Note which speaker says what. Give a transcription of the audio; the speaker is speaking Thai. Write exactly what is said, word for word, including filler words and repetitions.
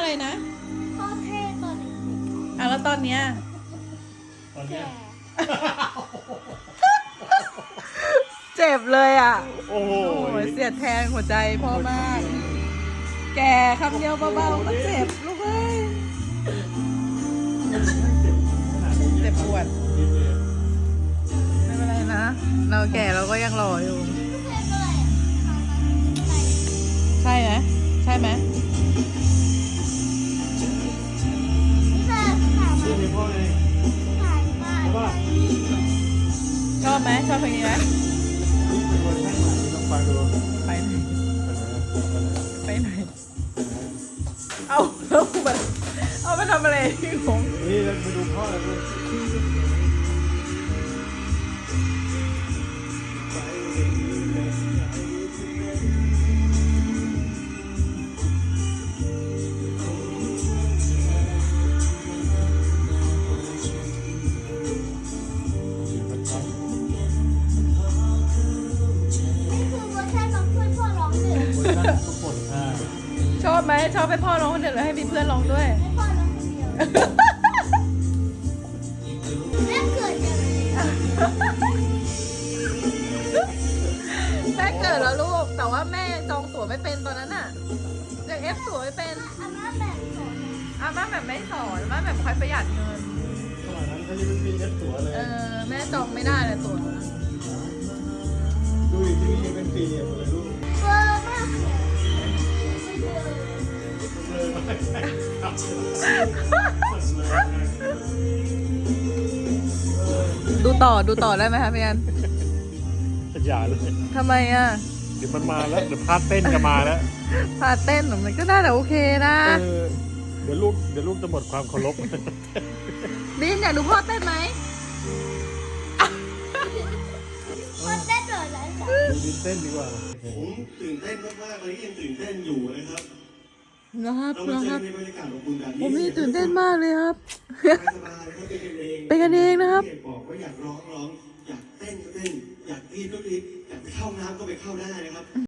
Speaker 1: อะไรนะ
Speaker 2: พ่อเท่ตอนเด็ก
Speaker 1: อ่ะแล้วตอนเนี้ย
Speaker 3: ตอนเนี้ย
Speaker 1: เจ็บเลยอ่ะ
Speaker 3: โอ้โห
Speaker 1: โอ้ยเสียดแทงหัวใจพ่อมาก แกคำเดียวเบาๆก็เจ็บลูกเอ้ยเจ็บปวดไม่เป็นไรนะ เราแก่เราก็ยังหล่ออยู่ ใช่ไหมใช่ไหม
Speaker 3: ชื่อเพลงพ่อไงใช่ป่ะ
Speaker 1: ชอบไหมชอบเพลงนี้ไหม
Speaker 3: นี่เป็นเวอร์ชันใหม่ที่ต้องฟังดู
Speaker 1: ไปไหนไปไหนเอาเอามาเอามาทำอะไรพี่ผม
Speaker 3: นี่เราไปดูพ่อแล้วดูทุกคนอ่า
Speaker 1: ชอบไหมชอบให้พ่อร้องคนเดียวหรือให้มีเพื่อนร้องด้วย
Speaker 2: ให้พ่อร้องคนเดียวแม่เกิดจากอะไร
Speaker 1: แม่เกิดแล้วลูกแต่ว่าแม่จองตั๋วไม่เป็นตอนนั้นน่ะยังเอฟตั๋วไม่เป็น
Speaker 2: อาม่าแบบสอน
Speaker 1: อาม่าแบบไม่สอนอาม่าแบบคอยประหยัดเงิน
Speaker 3: สมัยนั้นเขายังไม่มีเอฟตัวเลย
Speaker 1: เออแม่จองไม่ได้เลยตั๋ว
Speaker 3: ดูอีกทีนี้ยังเป็นปีอ่ะเลยลูก
Speaker 2: เบอร์มากเลยไม่เบอร์
Speaker 3: เลยมากใช่ครับ
Speaker 1: ดูต่อดูต่อได้ไหมคะพี่อัน
Speaker 3: อย่าเลย
Speaker 1: ทำไมอ่ะ
Speaker 3: เดี๋ยวมันมาแล้วเดี๋ยวพาเต้นจะมาแล้ว
Speaker 1: พาเต้นมันก็น่าจะโอเคนะ
Speaker 3: เออเดี๋ยวลูกเดี๋ยวลูกจะหมดความเคารพ
Speaker 1: บินอยากดูพ่อเต้นไหม
Speaker 2: คนเต้นเหรอไรจ้ะ
Speaker 3: ดูดินเต้นดีกว่า
Speaker 4: ผมตื่นเต้นมากๆเลยยังตื่นเต้นอยู่นะครับ
Speaker 1: นะครับ
Speaker 4: เรามา
Speaker 1: นะ
Speaker 4: เจ
Speaker 1: ค
Speaker 4: อ
Speaker 1: รับ
Speaker 4: ในบรรยากาศของคุณแบบ
Speaker 1: ผม
Speaker 4: นี้
Speaker 1: นี่ตื่นเต้นมากเลยครับ
Speaker 4: สบายๆนะครับเป็นกันเอง
Speaker 1: เป็นกันเองนะครับ
Speaker 4: บอกว่าอยากร้องร้องอยากเต้นก็เต้นอยากกรีดก็กรีดอยากไปเข้าน้ำก็ไปเข้าได้นะครับ